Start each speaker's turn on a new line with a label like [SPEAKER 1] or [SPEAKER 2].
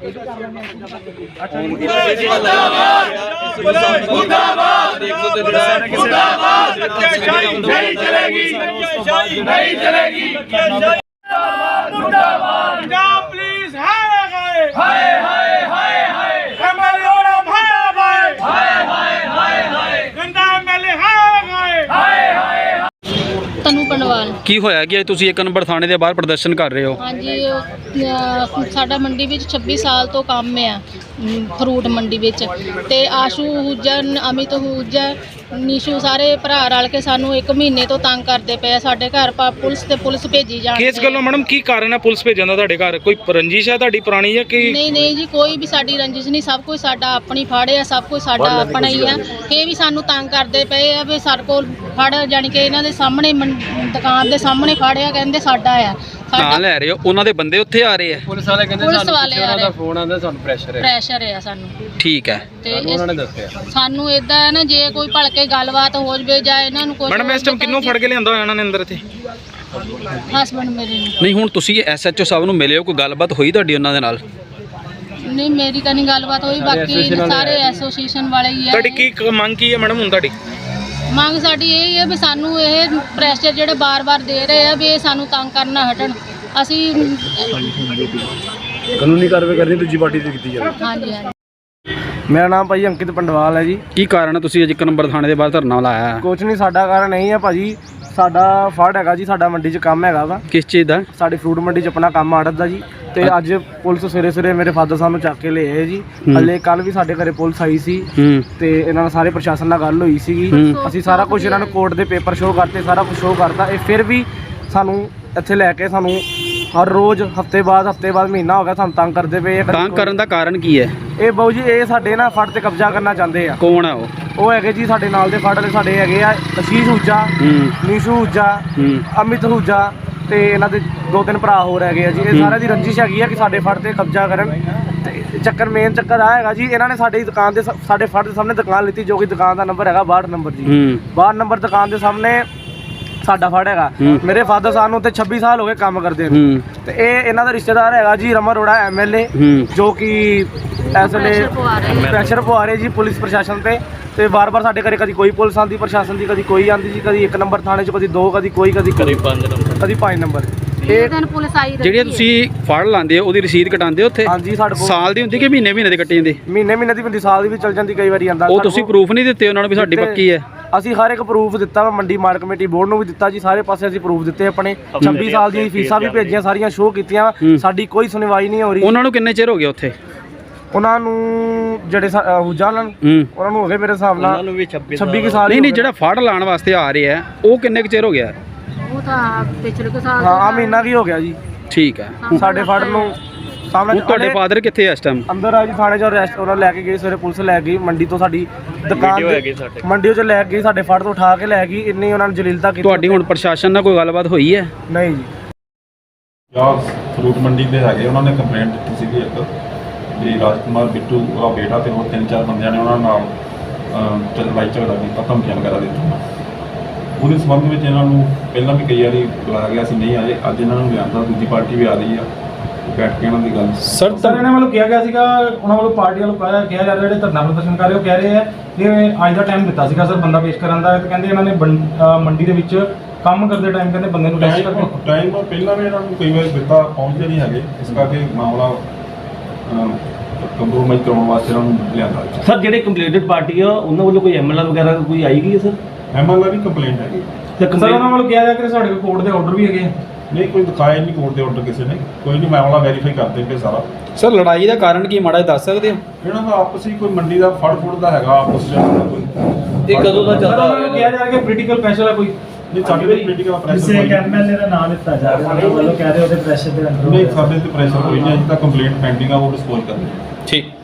[SPEAKER 1] तनु पंडवाल
[SPEAKER 2] की होया कि तुसी 1 नंबर थाने के बाहर प्रदर्शन कर रहे हो?
[SPEAKER 1] हाँ जी, साडा मंडी विच 26 साल तो काम है फ्रूट मंडी विच ते आशू हुजा, अमित हुजा, नीशू सारे भरा रल के सानू 1 महीने तो तंग करते पे। साडे घर पुलिस भेजी जाती
[SPEAKER 3] किस गल्लों मैडम की कारण है पुलिस भेजन दा तुहाडे घर? कोई रंजिश है तुहाडी पुरानी या कि
[SPEAKER 1] नहीं जी, कोई भी साडी रंजिश नहीं, सब कुछ साडा अपनी फाड़े है, सब कुछ साडा अपना ही है। ये भी सानू तंग करते पे आ भी साडे कोल फड़ जानी कि इन्हां दे सामने दुकान दे सामने फाड़िया, कहंदे साडा है।
[SPEAKER 2] ਨਾਂ ਲੈ ਰਹੇ ਹੋ, ਉਹਨਾਂ ਦੇ ਬੰਦੇ ਉੱਥੇ ਆ ਰਹੇ ਆ?
[SPEAKER 4] ਪੁਲਿਸ ਵਾਲੇ ਕਹਿੰਦੇ ਸਾਨੂੰ ਦਾ ਫੋਨ ਆਉਂਦਾ, ਸਾਨੂੰ
[SPEAKER 1] ਪ੍ਰੈਸ਼ਰ ਹੈ ਸਾਨੂੰ।
[SPEAKER 2] ਠੀਕ ਹੈ,
[SPEAKER 1] ਤੇ
[SPEAKER 4] ਉਹਨਾਂ ਨੇ ਦੱਸਿਆ
[SPEAKER 1] ਸਾਨੂੰ ਇਦਾਂ ਹੈ ਨਾ, ਜੇ ਕੋਈ ਭਲਕੇ ਗੱਲਬਾਤ ਹੋ ਜਵੇ ਜਾਂ ਇਹਨਾਂ ਨੂੰ ਕੋਈ
[SPEAKER 3] ਮੈਡਮ ਇਸ ਟਾਈਮ ਕਿੰਨੂੰ ਫੜ ਕੇ ਲਿਆਂਦਾ ਹੋਇਆ ਇਹਨਾਂ ਨੇ ਅੰਦਰ ਇੱਥੇ?
[SPEAKER 1] ਹਸਬੰਡ ਮੇਰੇ ਨੂੰ।
[SPEAKER 2] ਨਹੀਂ ਹੁਣ ਤੁਸੀਂ ਐਸਐਚਓ ਸਾਹਿਬ ਨੂੰ ਮਿਲੇ ਹੋ, ਕੋਈ ਗੱਲਬਾਤ ਹੋਈ ਤੁਹਾਡੀ ਉਹਨਾਂ ਦੇ ਨਾਲ?
[SPEAKER 1] ਨਹੀਂ ਮੇਰੀ ਤਾਂ ਨਹੀਂ ਗੱਲਬਾਤ ਹੋਈ, ਬਾਕੀ ਸਾਰੇ ਐਸੋਸੀਏਸ਼ਨ ਵਾਲੇ ਹੀ ਆ।
[SPEAKER 3] ਤੁਹਾਡੀ ਕੀ ਮੰਗ ਕੀ ਹੈ ਮੈਡਮ ਹੁਣ ਤੁਹਾਡੀ?
[SPEAKER 1] ਮੰਗ ਸਾਡੀ ਇਹ ਹੈ ਵੀ ਸਾਨੂੰ ਇਹ ਪ੍ਰੈਸ਼ਰ ਜਿਹੜੇ ਬਾਰ-ਬਾਰ ਦੇ ਰਹੇ ਆ ਵੀ ਇਹ ਸਾਨੂੰ ਤੰਗ ਕਰਨਾ ਹਟਣ। ਅਸੀਂ
[SPEAKER 4] ਕਾਨੂੰਨੀ ਕਾਰਵਾਈ ਕਰਨੀ ਦੂਜੀ ਪਾਰਟੀ ਤੇ ਕੀਤੀ ਜਾਵੇ।
[SPEAKER 1] ਹਾਂਜੀ ਹਾਂਜੀ।
[SPEAKER 4] ਮੇਰਾ ਨਾਮ ਭਾਜੀ ਅੰਕਿਤ ਪੰਡਵਾਲ ਹੈ ਜੀ।
[SPEAKER 2] ਕੀ ਕਾਰਨ ਹੈ ਤੁਸੀਂ ਅੱਜ 1 ਨੰਬਰ ਥਾਣੇ ਦੇ ਬਾਹਰ ਧਰਨਾ ਲਾਇਆ?
[SPEAKER 4] ਕੁਛ ਨਹੀਂ, ਸਾਡਾ ਕਾਰਨ ਨਹੀਂ ਹੈ ਭਾਜੀ, ਸਾਡਾ ਫੜ ਹੈਗਾ ਜੀ, ਸਾਡਾ ਮੰਡੀ 'ਚ ਕੰਮ ਹੈਗਾ ਵਾ।
[SPEAKER 2] ਕਿਸ ਚੀਜ਼ ਦਾ?
[SPEAKER 4] ਸਾਡੀ ਫਰੂਟ ਮੰਡੀ 'ਚ ਆਪਣਾ ਕੰਮ ਆੜਤ ਦਾ ਜੀ। ਤੇ ਅੱਜ ਪੁਲਿਸ ਸਵੇਰੇ ਮੇਰੇ ਫਾਦਰ ਸਾਹਿਬ ਨੂੰ ਚੱਕ ਕੇ ਲੈ ਆਏ ਜੀ। ਹਲੇ ਕੱਲ ਵੀ ਸਾਡੇ ਘਰੇ ਪੁਲਿਸ ਆਈ ਸੀ ਤੇ ਇਹਨਾਂ ਨਾਲ ਸਾਰੇ ਪ੍ਰਸ਼ਾਸਨ ਨਾਲ ਗੱਲ ਹੋਈ ਸੀਗੀ। ਅਸੀਂ ਸਾਰਾ ਕੁਝ ਇਹਨਾਂ ਨੂੰ ਕੋਰਟ ਦੇ ਪੇਪਰ ਸ਼ੋਅ ਕਰਤੇ, ਸਾਰਾ ਕੁਝ ਸ਼ੋਅ ਕਰਤਾ। ਇਹ ਫਿਰ ਵੀ ਸਾਨੂੰ ਇੱਥੇ ਲੈ ਕੇ ਸਾਨੂੰ ਹਰ ਰੋਜ਼ ਹਫਤੇ ਬਾਅਦ ਮਹੀਨਾ ਹੋ ਗਿਆ ਸਾਨੂੰ ਤੰਗ ਕਰਦੇ ਪਏ।
[SPEAKER 2] ਤੰਗ ਕਰਨ ਦਾ ਕਾਰਨ ਕੀ ਹੈ?
[SPEAKER 4] ਇਹ ਬਾਊ ਜੀ ਇਹ ਸਾਡੇ ਨਾ ਫੜ ਤੇ ਕਬਜ਼ਾ ਕਰਨਾ ਚਾਹੁੰਦੇ ਆ।
[SPEAKER 2] ਕੌਣ ਹੈ ਉਹ?
[SPEAKER 4] ਉਹ ਹੈਗੇ ਜੀ ਸਾਡੇ ਨਾਲ ਦੇ ਫੜ ਵਾਲੇ ਸਾਡੇ ਹੈਗੇ ਆ, ਅਸ਼ੀਸ਼ ਹੁਜਾ, ਨੀਸ਼ੂ ਹੁਜਾ, ਅਮਿਤ ਹੁਜਾ ਤੇ ਇਹਨਾਂ ਦੇ 2-3 ਭਰਾ ਹੋਰ ਹੈਗੇ ਆ ਜੀ। ਇਹ ਸਾਰਿਆਂ ਦੀ ਰੰਜਿਸ਼ ਹੈਗੀ ਆ ਕਿ ਸਾਡੇ ਫੜ ਤੇ ਕਬਜ਼ਾ ਕਰਨ। ਤੇ ਮੇਨ ਚੱਕਰ ਆ ਹੈਗਾ ਜੀ, ਇਹਨਾਂ ਨੇ ਸਾਡੀ ਦੁਕਾਨ ਦੇ ਸਾਡੇ ਫੜ ਦੇ ਸਾਹਮਣੇ ਦੁਕਾਨ ਲਿੱਤੀ, ਜੋ ਕਿ ਦੁਕਾਨ ਦਾ ਨੰਬਰ ਹੈਗਾ 62 ਨੰਬਰ ਜੀ। 62 ਨੰਬਰ ਦੁਕਾਨ ਦੇ ਸਾਹਮਣੇ ਸਾਡਾ ਫੜ ਹੈਗਾ। ਮੇਰੇ ਫਾਦਰ ਸਾਹਿਬ ਨੂੰ ਉੱਥੇ 26 ਸਾਲ ਹੋ ਗਏ ਕੰਮ ਕਰਦੇ ਨੇ। ਤੇ ਇਹ ਇਹਨਾਂ ਦਾ ਰਿਸ਼ਤੇਦਾਰ ਹੈਗਾ ਜੀ ਰਮਨ ਅਰੋੜਾ ਐਮਐਲਏ, ਜੋ ਕਿ ਇਸ ਵੇਲੇ ਪ੍ਰੈਸ਼ਰ ਪਵਾ ਰਹੇ ਜੀ ਪੁਲਿਸ ਪ੍ਰਸ਼ਾਸਨ ਤੇ ਵਾਰ-ਵਾਰ ਸਾਡੇ ਘਰੇ ਕਦੀ ਕੋਈ ਪੁਲਿਸ ਆਉਂਦੀ ਪ੍ਰਸ਼ਾਸਨ ਦੀ, ਕਦੀ ਕੋਈ ਆਉਂਦੀ ਜੀ, ਕਦੀ 1 ਨੰਬਰ ਥਾਣੇ 'ਚ, ਕਦੀ 2, ਕਦੀ ਕੋਈ, ਕਦੀ 5 ਨੰਬਰ।
[SPEAKER 1] ਇਹ ਦਿਨ ਪੁਲਿਸ ਆਈ ਰਹੀ।
[SPEAKER 2] ਜਿਹੜੀ ਤੁਸੀਂ ਫੜ ਲਾਉਂਦੇ ਹੋ ਉਹਦੀ ਰਸੀਦ ਕਟਾਉਂਦੇ ਹੋ ਉੱਥੇ?
[SPEAKER 4] ਹਾਂਜੀ, ਸਾਡੇ ਕੋਲ
[SPEAKER 2] ਸਾਲ ਦੀ ਹੁੰਦੀ ਕਿ ਮਹੀਨੇ ਦੇ ਕੱਟੀ ਜਾਂਦੀ?
[SPEAKER 4] ਮਹੀਨੇ ਦੀ ਬੰਦੀ, ਸਾਲ ਦੀ ਵੀ ਚੱਲ ਜਾਂਦੀ, ਕਈ ਵਾਰੀ ਆਂਦਾ।
[SPEAKER 2] ਉਹ ਤੁਸੀਂ ਪ੍ਰੂਫ ਨਹੀਂ ਦਿੱਤੇ ਉਹਨਾਂ ਨੂੰ ਵੀ ਸਾਡੀ ਪੱਕੀ ਹੈ?
[SPEAKER 4] ਅਸੀਂ ਹਰ ਇੱਕ ਪ੍ਰੂਫ ਦਿੱਤਾ ਵਾ, ਮੰਡੀ ਮਾਰਕ ਕਮੇਟੀ ਬੋਰਡ ਨੂੰ ਵੀ ਦਿੱਤਾ ਜੀ, ਸਾਰੇ ਪਾਸੇ ਅਸੀਂ ਪ੍ਰੂਫ ਦਿੱਤੇ ਆਪਣੇ। 26 ਸਾਲ ਦੀਆਂ ਫੀਸਾਂ ਵੀ ਭੇਜੀਆਂ, ਸਾਰੀਆਂ ਸ਼ੋਅ ਕੀਤੀਆਂ, ਸਾਡੀ ਕੋਈ ਸੁਣਵਾਈ ਨਹੀਂ ਹੋ ਰਹੀ।
[SPEAKER 2] ਉਹਨਾਂ ਨੂੰ ਕਿੰਨੇ ਚਿਰ ਹੋ ਗਿਆ ਉੱਥੇ?
[SPEAKER 4] ਉਹਨਾਂ ਨੂੰ ਜਿਹੜੇ ਹੁਜਾ ਉਹਨਾਂ ਨੂੰ ਹੋ ਗਏ ਮੇਰੇ ਹਿਸਾਬ ਨਾਲ 26 ਸਾਲ।
[SPEAKER 2] ਨਹੀਂ ਜਿਹੜਾ ਫੜ ਲਾਉਣ ਵਾਸਤੇ ਆ ਰਹੇ ਆ ਉਹ ਕਿੰਨੇ ਕੁ ਚਿਰ ਹੋ ਗਿਆ?
[SPEAKER 1] ਉਹ ਤਾਂ ਪਿਛਲੇ ਸਾਲ
[SPEAKER 4] ਹਾਂ, ਮਹੀਨਾ ਕੀ ਹੋ ਗਿਆ ਜੀ।
[SPEAKER 2] ਠੀਕ ਹੈ।
[SPEAKER 4] ਸਾਡੇ ਫੜ ਨੂੰ ਸਾਹਮਣੇ
[SPEAKER 2] ਤੁਹਾਡੇ ਫਾਦਰ ਕਿੱਥੇ ਇਸ ਟਾਈਮ?
[SPEAKER 4] ਅੰਦਰ ਆ ਜੀ ਥਾਣੇ 'ਚ ਅਰੈਸਟ ਉਹਨਾਂ ਲੈ ਕੇ ਗਏ ਸਵੇਰੇ, ਪੁਲਿਸ ਲੈ ਗਈ ਮੰਡੀ ਤੋਂ, ਸਾਡੀ ਦੁਕਾਨ ਮੰਡੀ 'ਚ ਲੈ ਗਈ, ਸਾਡੇ ਫੜ ਤੋਂ ਉਠਾ ਕੇ ਲੈ ਗਈ। ਇੰਨੀ ਉਹਨਾਂ ਨੇ ਜਲੀਲਤਾ ਕੀਤੀ।
[SPEAKER 2] ਤੁਹਾਡੀ ਹੁਣ ਪ੍ਰਸ਼ਾਸਨ ਨਾਲ ਕੋਈ ਗੱਲਬਾਤ ਹੋਈ ਹੈ?
[SPEAKER 4] ਨਹੀਂ ਜੀ।
[SPEAKER 5] ਫਰੂਟ ਮੰਡੀ ਦੇ ਹੈਗੇ, ਉਹਨਾਂ ਨੇ ਕੰਪਲੇਂਟ ਦਿੱਤੀ ਸੀਗੀ ਇੱਕ ਵੀ ਰਾਜਕੁਮਾਰ ਬਿੱਟੂ ਉਹਦਾ ਬੇਟਾ ਤੇ ਹੋਰ 3-4 ਬੰਦਿਆਂ ਨੇ ਉਹਨਾਂ ਨਾਲ ਲੜਾਈ ਝਗੜਾ ਕੀਤਾ, ਧਮਕੀਆਂ ਵਗੈਰਾ ਦਿੱਤੀਆਂ। ਉਹਦੇ ਸੰਬੰਧ ਵਿੱਚ ਇਹਨਾਂ ਨੂੰ ਪਹਿਲਾਂ ਵੀ ਕਈ ਵਾਰੀ ਬੁਲਾਇਆ ਗਿਆ ਸੀ, ਨਹੀਂ ਆਏ। ਅੱਜ ਇਹਨਾਂ ਨੂੰ ਲਿਆਂਦਾ, ਦੂਜੀ ਪਾਰਟੀ ਵੀ ਆ ਰਹੀ ਆ, ਬੈਠ ਕੇ ਇਹਨਾਂ ਦੀ ਗੱਲ।
[SPEAKER 6] ਸਰ ਇਹਨਾਂ ਵੱਲੋਂ ਕਿਹਾ ਗਿਆ ਸੀਗਾ, ਉਹਨਾਂ ਵੱਲੋਂ ਪਾਰਟੀ ਵੱਲੋਂ ਕਿਹਾ ਜਾ ਰਿਹਾ ਜਿਹੜੇ ਧਰਨਾ ਪ੍ਰਦਰਸ਼ਨ ਕਰ ਰਹੇ ਉਹ ਕਹਿ ਰਹੇ ਆ ਕਿ ਅੱਜ ਦਾ ਟਾਈਮ ਦਿੱਤਾ ਸੀਗਾ ਸਰ ਬੰਦਾ ਪੇਸ਼ ਕਰਨ ਦਾ। ਤੇ ਕਹਿੰਦੇ ਇਹਨਾਂ ਨੇ ਮੰਡੀ ਦੇ ਵਿੱਚ ਕੰਮ ਕਰਦੇ ਟਾਈਮ ਕਹਿੰਦੇ ਬੰਦੇ ਨੂੰ ਟੈਸਟ ਕਰਕੇ
[SPEAKER 5] ਟਾਈਮ ਪਹਿਲਾਂ ਵੀ ਇਹਨਾਂ ਨੂੰ ਕਈ ਵਾਰ ਦਿੱਤਾ, ਪਹੁੰਚਦੇ ਨਹੀਂ ਹੈਗੇ, ਇਸ ਕਰਕੇ ਮਾਮਲਾ ਕੰਪਰੋਮਾਈਜ਼ ਕਰਾਉਣ ਵਾਸਤੇ ਇਹਨਾਂ ਨੂੰ ਲਿਆਂਦਾ।
[SPEAKER 7] ਸਰ ਜਿਹੜੇ ਕੰਪਲੇਂਟਡ ਪਾਰਟੀ ਆ ਉਹਨਾਂ ਵੱਲੋਂ ਕੋਈ ਐਮਐਲਆਰ ਵਗੈਰਾ ਕੋਈ ਆਈ ਗਈ ਹੈ ਸਰ?
[SPEAKER 5] ਐਮਐਲਆਰ ਦੀ ਕੰਪਲੇਂਟ ਹੈਗੀ।
[SPEAKER 6] ਸਰ ਉਹਨਾਂ ਵੱਲੋਂ ਕਿਹਾ ਜਾ ਕਿ ਸਾਡੇ ਕੋਲ ਕੋਰਟ ਦੇ ਆਰਡਰ ਵੀ ਹੈਗੇ?
[SPEAKER 5] ਨਹੀਂ, ਕੋਈ ਦਿਖਾਇਆ ਨਹੀਂ ਕੋਰਟ ਦੇ ਆਰਡਰ ਕਿਸੇ ਨੇ। ਕੋਈ ਨਹੀਂ, ਮਾਮਲਾ ਵੈਰੀਫਾਈ ਕਰਦੇ ਪਏ ਸਾਰਾ।
[SPEAKER 2] ਸਰ ਲੜਾਈ ਦਾ ਕਾਰਨ ਕੀ ਮਾੜਾ ਦੱਸ ਸਕਦੇ ਹੋ?
[SPEAKER 5] ਇਹਨਾਂ ਦਾ ਆਪਸੀ ਕੋਈ ਮੰਡੀ ਦਾ ਫੜ ਦਾ ਹੈਗਾ ਆਪਸ ਵਿੱਚ ਕੋਈ।
[SPEAKER 7] ਇਹ ਕਦੋਂ ਦਾ ਚੱਲਦਾ?
[SPEAKER 6] ਉਹਨਾਂ ਨੂੰ ਕਿਹਾ ਜਾ ਰਿਹਾ ਕਿ ਪੋਲੀਟੀਕਲ ਪ੍ਰੈਸ਼ਰ ਹੈ ਕੋਈ?
[SPEAKER 5] ਨਹੀਂ, ਸਾਡੇ ਤੇ ਪੋਲੀਟੀਕਲ ਪ੍ਰੈਸ਼ਰ
[SPEAKER 6] ਕਿਸੇ ਐਮਐਲਏ ਦਾ ਨਾਮ ਲਿੱਤਾ ਜਾ ਰਿਹਾ, ਉਹਨਾਂ ਵੱਲੋਂ ਕਹਿ ਰਹੇ ਉਹਦੇ ਪ੍ਰੈਸ਼ਰ ਦੇ ਅੰਦਰ।
[SPEAKER 5] ਨਹੀਂ, ਸਾਡੇ ਤੇ ਪ੍ਰੈਸ਼ਰ ਕੋਈ ਨਹੀਂ। ਅਜੇ ਤੱਕ ਕੰਪਲੇਂਟ ਪੈਂਡਿੰਗ ਆ, ਉਹ ਡਿਸਪੋਜ਼ ਕਰਦੇ।
[SPEAKER 2] ਠੀਕ।